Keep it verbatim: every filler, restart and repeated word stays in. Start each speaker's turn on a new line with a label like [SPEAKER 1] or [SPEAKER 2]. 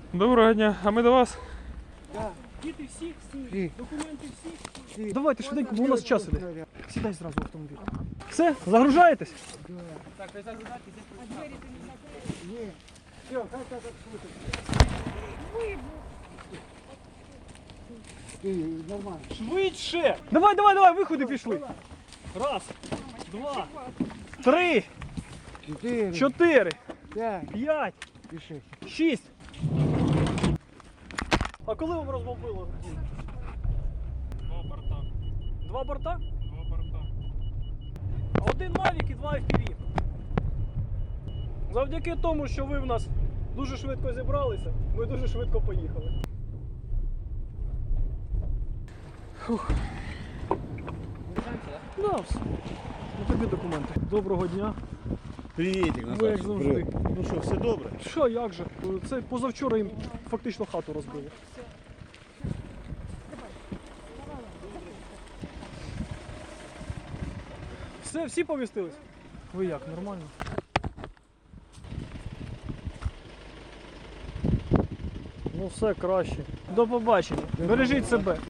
[SPEAKER 1] Доброго дня, а ми до вас?
[SPEAKER 2] Да.
[SPEAKER 3] Діти всі,
[SPEAKER 2] Всі.
[SPEAKER 3] документи всі.
[SPEAKER 2] Всі.
[SPEAKER 3] Давайте швиденько, бо у нас час іде. Сідай зразу в автомобіль. Все, загружаєтесь?
[SPEAKER 1] Так, ви загружайте,
[SPEAKER 2] Ні. Все, хай так слухай. Ти, нормально.
[SPEAKER 3] Швидше! Давай, давай, давай, виходи пішли. Раз, два, три,
[SPEAKER 2] Чотири.
[SPEAKER 3] чотири,
[SPEAKER 2] П'ять.
[SPEAKER 3] п'ять,
[SPEAKER 2] Піши.
[SPEAKER 3] шість. А коли вам розбомбило?
[SPEAKER 1] Два борта.
[SPEAKER 3] Два борта?
[SPEAKER 1] Два борта.
[SPEAKER 3] Один Mavic і два еф пі ві. Завдяки тому, що ви в нас дуже швидко зібралися, ми дуже швидко поїхали. Фух. Да, все. Ну тобі документи. Доброго дня.
[SPEAKER 4] Привітик,
[SPEAKER 3] Ви як завжди.
[SPEAKER 4] Ну що, все добре?
[SPEAKER 3] Що, як же? Це позавчора їм фактично хату розбили. Все, всі повістились? Ви як, нормально? Ну все краще. До побачення. Бережіть себе.